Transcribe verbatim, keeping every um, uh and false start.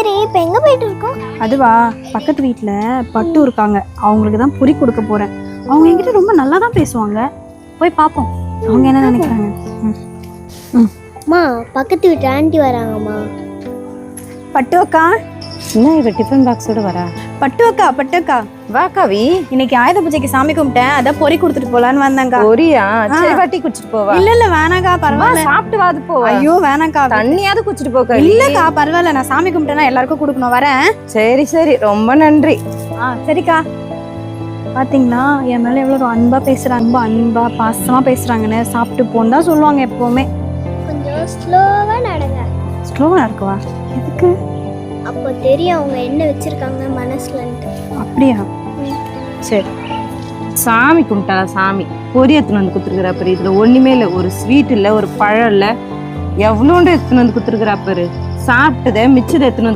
சரி இப்போ எங்கே போயிட்டு இருக்கோம்? அதுவா, பக்கத்து வீட்டில் பட்டு இருக்காங்க, அவங்களுக்கு தான் பொரி கொடுக்க போகிறேன். அவங்க என்கிட்ட ரொம்ப நல்லா தான் பேசுவாங்க. போய் பார்ப்போம் அவங்க என்ன நினைக்கிறாங்க. ம் ம் அம்மா, பக்கத்து வீட்டு ஆண்டி வராங்கம்மா. பட்டு அக்கா. என்ன இவ டிஃபன் பாக்ஸோட வரா? பட்டு அக்கா, பட்டு அக்கா. வா கவி. இன்னைக்கு ஆயுத பூஜைக்கு சாமி கும்பிட்டேன், அதான் பொரி கொடுத்துட்டு போலான்னு வந்தேங்க்கா. பொரியா? சரி வாட்டி குடிச்சிட்டு போவா. இல்ல இல்ல வேணாக்கா, பரவாயில்ல. சாப்பிட்டு வாது போ. ஐயோ வேணாக்கா, தண்ணியாவது குடிச்சிட்டு போ கவி. இல்லக்கா பரவாயில்ல, நான் சாமி கும்பிட்டேன்னா எல்லாருக்கும் கொடுக்கணும், வரேன். சரி சரி, ரொம்ப நன்றி. ஆ சரிக்கா. பாத்தீங்களா என் மேல எவ்வளவு அன்பா பேசுறாங்க, ரொம்ப அன்பா பாசமா பேசுறாங்கன்னு. சாப்பிட்டு போன்னு தான் சொல்லுவாங்க எப்பவுமே. கொஞ்சம் ஸ்லோவாக நடங்க. ஸ்லோவா இருக்குவா? எதுக்கு? அப்போ தெரியும் அவங்க என்ன வச்சிருக்காங்க மனசுலன்ட்டு. அப்படியா? சரி. சாமி கும்பிட்டா சாமி பொரி எடுத்துன்னு வந்து குத்துருக்குறா பாரு. இதுல ஒண்ணுமே இல்லை, ஒரு ஸ்வீட் இல்ல, ஒரு பழம் இல்ல, எவ்வளோண்டு எடுத்துன்னு வந்து குத்துருக்குறா பாரு. சாப்பிட்டதை மிச்சத்தை எடுத்துன்னு வந்து